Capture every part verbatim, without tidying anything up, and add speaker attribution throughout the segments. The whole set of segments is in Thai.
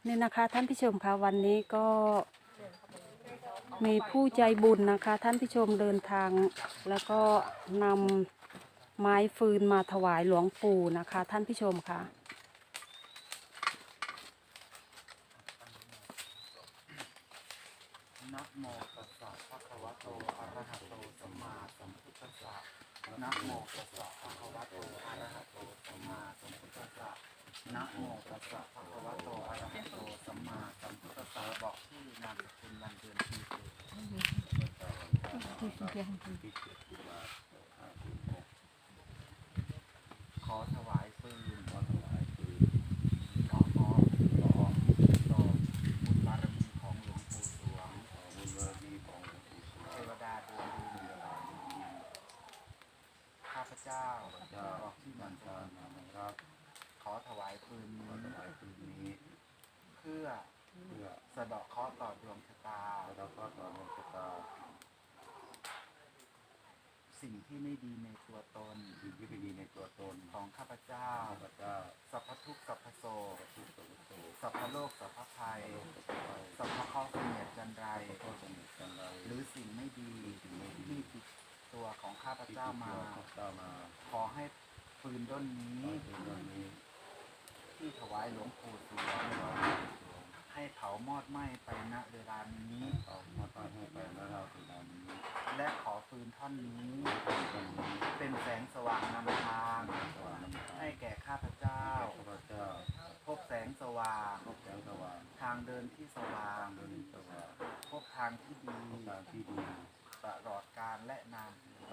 Speaker 1: นี่นะคะท่านผู้ชมคะวันนี้ก็มีผู้ใจบุญนะคะท่านผู้ชมเดินทางแล้วก็นำไม้ฟืนมาถวายหลวงปู่นะคะท่านผู้ชมค่ะ
Speaker 2: นะโมตัสสะภะคะวะโตอะระหะโตสัมมาสัมพุทธัสสะนะโมตัสสะภะคะวะโตอะระหะโตสัมมาสัมพุทธัสสะนะโมตัสสะภะคะวะโตอะระหะโตสัมมาสัมพุทธัสสะบอกชื่อนามสกุลวันเดือนปีเกิดขอถวายปืนขอถวายปืนขอขอขอต่อบุญบารมีของหลวงปู่สวงบุญบารมีของหลวงปู่สวงเทวดาดวงดีข้าพเจ้าบอกที่มันจารนะครับขอถวายปืนนี้ถวายปืนนี้เพื่อเพื่อสะเดาะเคราะห์ต่อดวงชะตาสะเดาะเคราะห์ต่อดวงชะตาสิ่งที่ไม่ดีในตัวตนสิ่งที่ไม่ดีในตัวตนของข้าพเจ้าข้าพเจ้าสัพพทุกข์สัพพโสสัพพโลกสัพพภัยสัพพข้อเสนียดจันไรหรือสิ่งไม่ดีที่ติดตัวของข้าพเจ้ามาขอให้ปืนด้นนี้ที่ถวายหลวงปู่สวงให้เผามอดไหม้ไปณเวลานี้เผามอดไหม้ไปณเวลานี้และขอฟืนท่อนนี้เป็นแสงสว่างนำทางให้แก่ข้าพเจ้าพบแสงสว่างทางเดินที่สว่างพบทางที่ดีตลอดกาลและนาน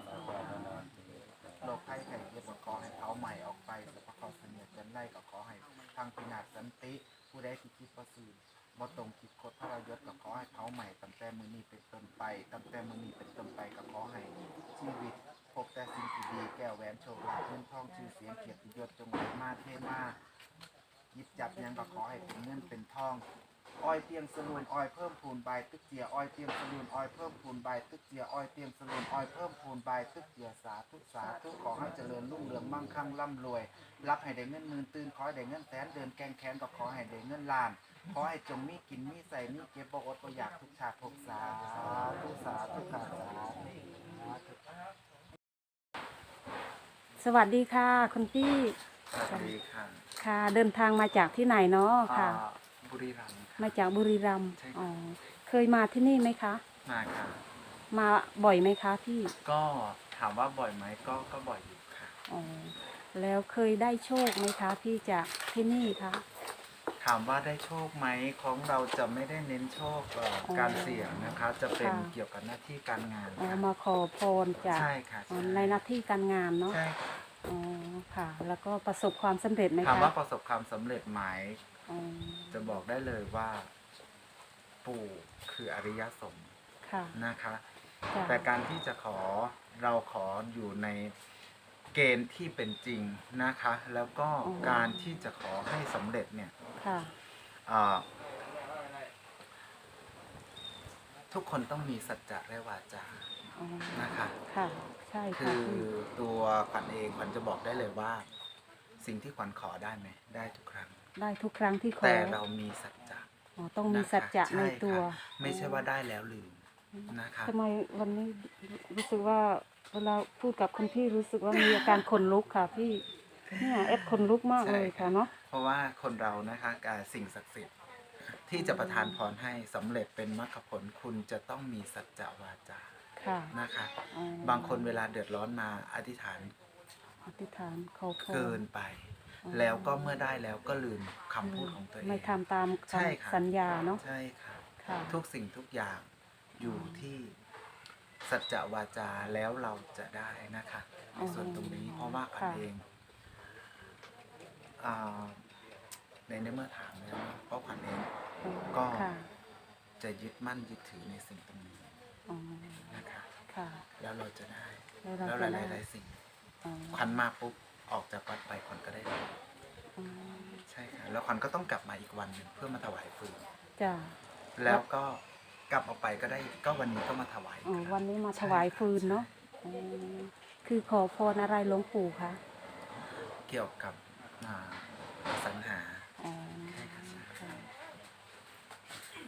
Speaker 2: โรคภัยไข้เจ็บก็ขอให้เขาใหม่ออกไปสัพพะเขาเสนียดจันไรก็ขอให้ทางพินาศสันติผู้ใดที่คิดประสูติบ่ตรงคิดคดพระยศก็ขอให้เขาใหม่ตั้งแต่มื้อนี้เป็นต้นไปตั้งแต่มื้อนี้เป็นต้นไปก็ขอให้ชีวิตพบแต่สิ่งที่ดีแก้วแหวนโชคลาภเงินทองชื่อเสียงเกียรติยศจงไหลมาเทมาหยิบจับยังก็ขอให้เป็นเงินเป็นทองอ้อยเตียงสลุนอ้อยเพิ่มพูนใบตึกเจียอ้อยเตียงสลุนอ้อยเพิ่มพูนใบตึกเจียอ้อยเตียงสลุนอ้อยเพิ่มพูนใบตึกเจียสาธุสาธุขอให้เจริญรุ่งเรืองมั่งคั่งร่ำรวยรับให้ได้เงินหมื่นตื่นขอให้ได้เงินแสนเดินแกงแขนก็ขอให้ได้เงินล้านขอให้จงมีกินมีใส่มีเก็บบ่อดบ่อยากทุกชาติทุกสาธุสาธุสาธุ
Speaker 1: สวัสดีค่ะคุณพี่
Speaker 2: สวัสดีค่ะ
Speaker 1: ค่ะเดินทางมาจากที่ไหนเนาะค่ะ
Speaker 2: บุรีรัมย์
Speaker 1: มาจากบุรีรัมย์อ๋อเคยมาที่นี่ไหมคะ
Speaker 2: มาค่ะ
Speaker 1: มาบ่อยไหมคะพี่
Speaker 2: ก็ถามว่าบ่อยไหมก็ก็บ่อยอยู่ค่ะ
Speaker 1: อ๋อแล้วเคยได้โชคไหมคะพี่จากที่นี่คะ
Speaker 2: ถามว่าได้โชคไหมของเราจะไม่ได้เน้นโชคเอ่อ
Speaker 1: อ๋อ
Speaker 2: การเสี่ยงนะคะ จะเป็น
Speaker 1: ค่ะ
Speaker 2: เกี่ยวกับหน้าที่การงาน
Speaker 1: อ๋อ
Speaker 2: ค่ะ
Speaker 1: มาขอพรจาก
Speaker 2: ใช่ค่ะ
Speaker 1: อ๋อ
Speaker 2: ใช่
Speaker 1: ในหน้าที่การงานเนาะ
Speaker 2: ใช่ค่ะ
Speaker 1: อ๋อค่ะ แล้วก็ประสบความสำเร็จไหม
Speaker 2: ถาม
Speaker 1: คะ
Speaker 2: ว่าประสบความสำเร็จไหม
Speaker 1: อ๋อ
Speaker 2: จะบอกได้เลยว่าปู่คืออริยสงฆ์
Speaker 1: ค่ะ
Speaker 2: นะคะ
Speaker 1: จ้ะ
Speaker 2: แต่การที่จะขอเราขออยู่ในเกณฑ์ที่เป็นจริงนะคะ แล้วก็การที่จะขอให้สำเร็จเนี่ย
Speaker 1: ค่ะ
Speaker 2: อ่าทุกคนต้องมีสัจจะและวาจา
Speaker 1: อ๋อ
Speaker 2: นะคะ
Speaker 1: ค่ะ ใช่
Speaker 2: คื
Speaker 1: ค่ะ
Speaker 2: อ
Speaker 1: พี่
Speaker 2: ตัวขวัญเองขวัญจะบอกได้เลยว่า สิ่งที่ขวัญขอได้ไหมได้ทุกครั้ง
Speaker 1: ได้ทุกครั้งที่ขอ
Speaker 2: แต่เรามีสัจจะ
Speaker 1: อ๋อต้องมี
Speaker 2: นะคะ
Speaker 1: สัจจะ
Speaker 2: ช่
Speaker 1: ในตัว
Speaker 2: ค่ะไม่ใช่ว่าได้แล้วลืมนะคะ
Speaker 1: ทำไมวันนี้รู้สึกว่าเวลาพูดกับคุณพี่รู้สึกว่ามีอาการขนลุกค่ะพี่เนี่ยเอฟขนลุกมากเลยค่ะเนาะ
Speaker 2: เพราะว่าคนเรานะคะการสิ่งศักดิ์สิทธิ์ที่จะประทานพรให้สำเร็จเป็นมรรคผลคุณจะต้องมีสัจจะวาจา
Speaker 1: ค่ะ
Speaker 2: นะคะ
Speaker 1: อ๋อบ
Speaker 2: างคนเวลาเดือดร้อนมาอธิษฐาน
Speaker 1: อธิษฐานขอพร
Speaker 2: เกินไป
Speaker 1: อ๋อ
Speaker 2: แล้วก็เมื่อได้แล้วก็ลืมคำพูดของตัวเอง
Speaker 1: ไม่ทำตาม
Speaker 2: ใช่ค่ะ
Speaker 1: คำสัญญาเนาะ
Speaker 2: ใช่ค่ะ
Speaker 1: ค่ะ
Speaker 2: ทุกสิ่งทุกอย่างอยู่ที่สัจจะวาจาแล้วเราจะได้นะคะในส่วนตรงนี้เพราะว่าขวัญ
Speaker 1: ค่ะ
Speaker 2: เองอ่าในในเมื่อถามแล้วเนอะเพราะขวัญเอง ก็
Speaker 1: ค่ะ
Speaker 2: จะยึดมั่นยึดถือในสิ่งตรงนี้
Speaker 1: อ๋อ
Speaker 2: นะคะ
Speaker 1: ค่ะ
Speaker 2: แล้วเราจะได้
Speaker 1: แล้วเรา
Speaker 2: แล้วห
Speaker 1: จะ
Speaker 2: ลาย
Speaker 1: ได้
Speaker 2: หลายๆสิ่ง
Speaker 1: อ๋อ
Speaker 2: ขวัญมาปุ๊บออกจากวัดไปขวัญก็ได้รับ
Speaker 1: อ๋อ
Speaker 2: ใช่ค่ะแล้วขวัญก็ต้องกลับมาอีกวันหนึ่งเพื่อมาถวายฟืน
Speaker 1: จ้ะ
Speaker 2: แล้วก็กลับออกไปก็ได้ก็วันนี้ก็มาถวาย
Speaker 1: อ๋อ
Speaker 2: ครับ
Speaker 1: วันนี้มาถวายฟืนเนาะอ๋อคือขอพรอะไรหลวงปู่คะ
Speaker 2: เกี่ยวกับอ่าอสังหา
Speaker 1: อ๋อ
Speaker 2: ใช่ค่ะใช่
Speaker 1: ค่ะ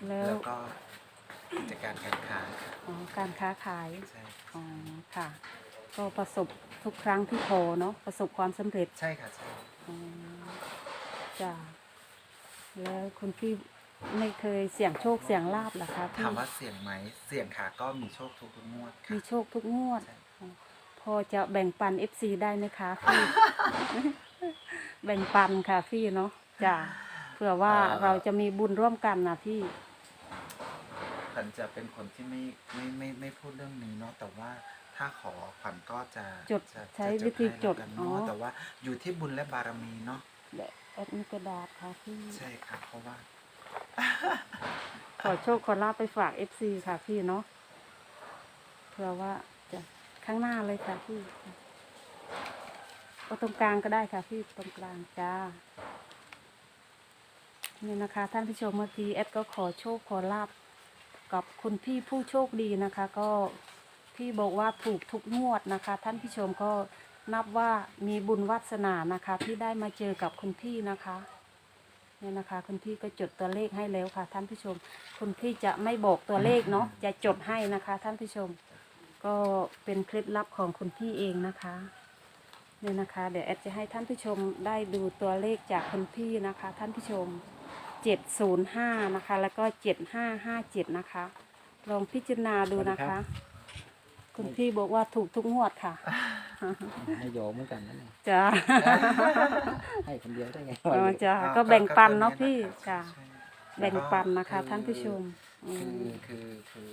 Speaker 1: แล้ว
Speaker 2: แล้วก็กิจการการค้าค่ะ
Speaker 1: อ๋อการค้าขาย
Speaker 2: ใช่
Speaker 1: อ๋อค่ะ ก็ประสบทุกครั้งที่โทรเนาะประสบความสำเร็จ
Speaker 2: ใช่ค่ะใช่
Speaker 1: อ๋อจ้ะแล้วคุณพี่ไม่เคยเสี่ยงโชคเสี่ยงลาบเหรอคะพี่
Speaker 2: ถามว่าเสี่ยงไหมเสี่ยงค่ะก็มีโชคทุกงวดค่ะ
Speaker 1: มีโชคทุกงวด
Speaker 2: ใช่
Speaker 1: อ๋อพอจะแบ่งปัน เอฟ ซี ได้ไหมคะพี่ แบ่งปันค่ะพี่เนาะจ้ะเผื่อว่าเราจะมีบุญร่วมกันนะพี่
Speaker 2: ขวัญจะเป็นคนที่ไม่ไม่ไม่ไม่พูดเรื่องนี้เนาะแต่ว่าถ้าขอขวัญก็จะ
Speaker 1: จด
Speaker 2: จะ
Speaker 1: ใช้
Speaker 2: จะ
Speaker 1: วิธี
Speaker 2: ให้
Speaker 1: จด
Speaker 2: แล้วกัน
Speaker 1: อ๋อ
Speaker 2: เนาะแต่ว่าอยู่ที่บุญและบารมีเนาะ
Speaker 1: เดี๋ยวแอดมีกระดาษค่ะพี่
Speaker 2: ใช่ค่ะเพราะว่า
Speaker 1: ขอโชคขอลาบไปฝาก เอฟ ซี ค่ะพี่เนาะเผื่อว่าจะข้างหน้าเลยค่ะพี่เอาตรงกลางก็ได้ค่ะพี่ตรงกลางจ้านี่นะคะ ท่านผู้ชมเมื่อกี้แอดก็ขอโชคขอลาบกับคุณพี่ผู้โชคดีนะคะ ก็พี่บอกว่าถูกทุกงวดนะคะ ท่านผู้ชมก็นับว่ามีบุญวาสนานะคะ ที่ได้มาเจอกับคุณพี่นะคะเนี่ยนะคะคุณพี่ก็จดตัวเลขให้แล้วค่ะ ท่านผู้ชมคุณพี่จะไม่บอกตัวเลขเนาะจะจดให้นะคะ ท่านผู้ชม ก็เป็นเคล็ดลับของคุณพี่เองนะคะเนี่ยนะคะ เดี๋ยวแอดจะให้ท่านผู้ชมได้ดูตัวเลขจากคุณพี่นะคะ ท่านผู้ชมเจ็ดศูนย์ห้านะคะ แล้วก็เจ็ดห้าห้าเจ็ดนะคะ ลองพิจารณาดูนะคะ คุณพี่บอกว่าถูกทุกงวดค่ะ
Speaker 3: ให้โยมเหมือนกันนั่นเอง
Speaker 1: จ้า
Speaker 3: ให้คนเดียวได้ไง
Speaker 1: อ๋อจ้า
Speaker 2: อ่า
Speaker 1: ก็แบ่งปันเนาะ
Speaker 2: ก็
Speaker 1: พี่
Speaker 2: ตัว
Speaker 1: จ้า
Speaker 2: ใช่
Speaker 1: แบ่งปันนะคะ
Speaker 2: คือ
Speaker 1: ท่านผู้ชมอื
Speaker 2: คือ
Speaker 1: ม
Speaker 2: คือคือ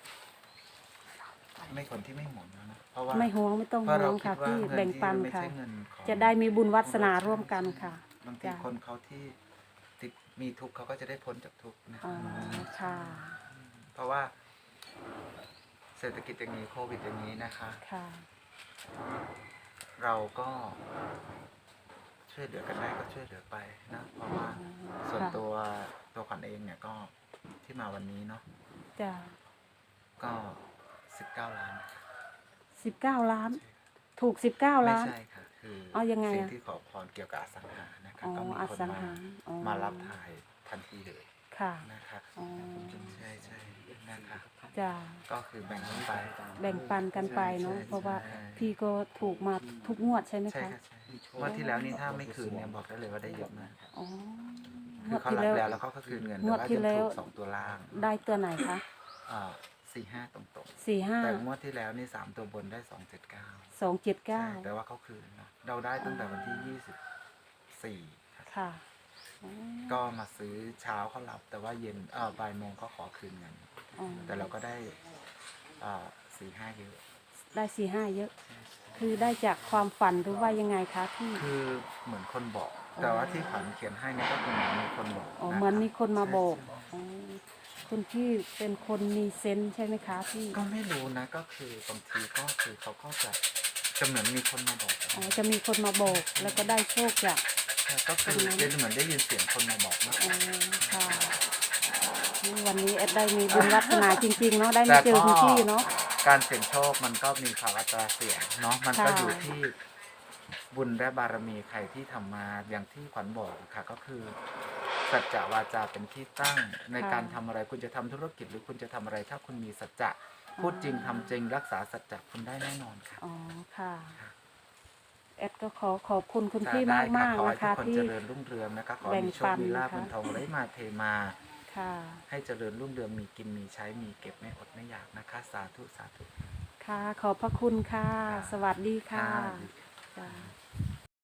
Speaker 2: ไม่คนที่ไม่หมุนนะเพราะว่า
Speaker 1: ไม่ห่วงไม่ต้อง
Speaker 2: เพราะ
Speaker 1: ห่
Speaker 2: เรา
Speaker 1: วง
Speaker 2: คิ
Speaker 1: ค่ะ
Speaker 2: ดว่า
Speaker 1: พี่
Speaker 2: เงิน
Speaker 1: แบ่ง
Speaker 2: ที่
Speaker 1: ปัน
Speaker 2: ไม่
Speaker 1: ค่ะ
Speaker 2: ใช่เงินของ
Speaker 1: จะได้มีบุญวาสนาร่วมกันค่ะ
Speaker 2: บางที
Speaker 1: จ้ะ
Speaker 2: คนเขาที่ติดมีทุกข์เขาก็จะได้พ้นจากทุกข์นะ
Speaker 1: อ๋อค่ะ
Speaker 2: เพราะว่า เศรษฐกิจอย่างนี้โควิดอย่างนี้นะคะ
Speaker 1: ค่ะ
Speaker 2: เราก็ช่วยเหลือกันได้ก็ช่วยเหลือไปนะเพราะว่าส่วน
Speaker 1: ค่ะ
Speaker 2: ตัวตัวขวัญเองเนี่ยก็ที่มาวันนี้เนาะ
Speaker 1: จ้า
Speaker 2: ก็สิบเก้าล้าน
Speaker 1: สิบเก้าล้าน ถูกสิบเก้า
Speaker 2: ไม่
Speaker 1: ล้าน
Speaker 2: ใช่ค่ะคือ
Speaker 1: เอายังไง
Speaker 2: สิ่ง
Speaker 1: อะ
Speaker 2: ที่ขอพรเกี่ยวกับอสังหานะคะ
Speaker 1: อ๋อ
Speaker 2: ก็มี
Speaker 1: อ
Speaker 2: คน
Speaker 1: สัง
Speaker 2: มา
Speaker 1: หาอ๋อ
Speaker 2: มารับถ่ายทันทีเลย
Speaker 1: ค่ะ
Speaker 2: นะคะ
Speaker 1: อ๋อ
Speaker 2: ใช่ใช่นะคะ
Speaker 1: จ้า
Speaker 2: ก็คือแบ่งกันไป
Speaker 1: แบ่งปันกันไปเนาะ
Speaker 2: ใช่ใช่
Speaker 1: เพราะว่า
Speaker 2: ใช่
Speaker 1: พี่ก็ถูกมาทุกงวดใช่ไหม
Speaker 2: ใช่
Speaker 1: คะ
Speaker 2: ค่ะใช่งวันที่แล้วนี่ถ้าไม่คืนเนี่ยบอกได้เลยว่าได้เยอะมาก
Speaker 1: อ๋อ ง
Speaker 2: คื
Speaker 1: ว
Speaker 2: อ
Speaker 1: ด
Speaker 2: เขา
Speaker 1: ที่
Speaker 2: รับ
Speaker 1: แล้ว
Speaker 2: แล้วแล้วเขาก็คืนเงิน
Speaker 1: งวด
Speaker 2: แต่ว่า
Speaker 1: ที่
Speaker 2: จะ
Speaker 1: แล้ว
Speaker 2: ถูกสองตัวล่าง
Speaker 1: ได้ตัวไหนคะ
Speaker 2: อ่าสี่ห้าตรง
Speaker 1: สี่ห้า
Speaker 2: ๆแต่งวดที่แล้วนี่สามตัวบนได้สองเจ็ดเก้า
Speaker 1: สองเจ็ดเก้า
Speaker 2: แต่ว่าเขาคืนเนาะเราได้ตั้งแต่วันที่ยี่สิบสี่ครับ
Speaker 1: ค่ะอ๋อ
Speaker 2: ก็มาซื้อเช้าเขารับ แต่ว่าเย็นเออบ่ายโมงเขาขอคืนเงิน
Speaker 1: อ๋อ
Speaker 2: แต่เราก็ได้อ่าสี่ห้าเยอะ
Speaker 1: ได้สี่ห้าเยอะ คือได้จากความฝันหรือว่ายังไงคะพี่
Speaker 2: คือเหมือนคนบอก แต่ว่าที่ขวัญเขียนให้เนี่ยก็คือเหมือนมีคนบอก
Speaker 1: อ๋อ
Speaker 2: ะครับ
Speaker 1: เหมือนมีคนมาบอก
Speaker 2: ใช่
Speaker 1: อ๋อคุณพี่เป็นคนมีเซนส์ใช่ไหมคะพี่
Speaker 2: ก็ไม่รู้นะก็คือบางทีก็คือเขาก็จะจะเหมือนมีคนมาบอก
Speaker 1: อ๋อ จะมีคนมาบอกแล้วก็ได้โชคจาก
Speaker 2: ใช่ก็คือ
Speaker 1: ตรงนั้น
Speaker 2: เดนเหมือนได้ยินเสียงคนมาบอกนะ
Speaker 1: อ๋อ ค่ะนี่วันนี้แอดได้มีบุญวัฒนาจริงๆเนาะ ได้มาเจอคุณพี่เนาะ
Speaker 2: การเสี่ยงโชคมันก็มีภาวะตราเสี่ยงเนาะมันก็
Speaker 1: ค่ะ
Speaker 2: อยู่ที่บุญและบารมีใครที่ทำมาอย่างที่ขวัญบอกค่ะก็คือสัจจะวาจาเป็นที่ตั้งในการทำอะไรคุณจะทำธุรกิจหรือคุณจะทำอะไร ถ้าคุณมีสัจจะพูดจริงทำจริงรักษาสัจจะคุณได้แน่นอนค่ะ
Speaker 1: อ๋อ ค่ะ แอดก็ขอขอบคุณคุณพี่
Speaker 2: ได้
Speaker 1: มาก
Speaker 2: ค่ะ
Speaker 1: มาก
Speaker 2: ขอ
Speaker 1: ๆ
Speaker 2: ให้
Speaker 1: นะ
Speaker 2: ทุกคน
Speaker 1: คะที่
Speaker 2: เจริญรุ่งเรืองนะคะขอ
Speaker 1: แบ่ง
Speaker 2: มีโช
Speaker 1: ปั
Speaker 2: คน มีลาภ
Speaker 1: นะคะ
Speaker 2: เงินทองไหลมาเทมา
Speaker 1: ค่ะ
Speaker 2: ให้เจริญรุ่งเรืองมีกินมีใช้มีเก็บไม่อดไม่อยากนะคะ สาธุสาธุ
Speaker 1: ค่ะ ขอบพระคุณค่ะ สวัสดีค่ะ
Speaker 2: ค่ะ
Speaker 1: จ้า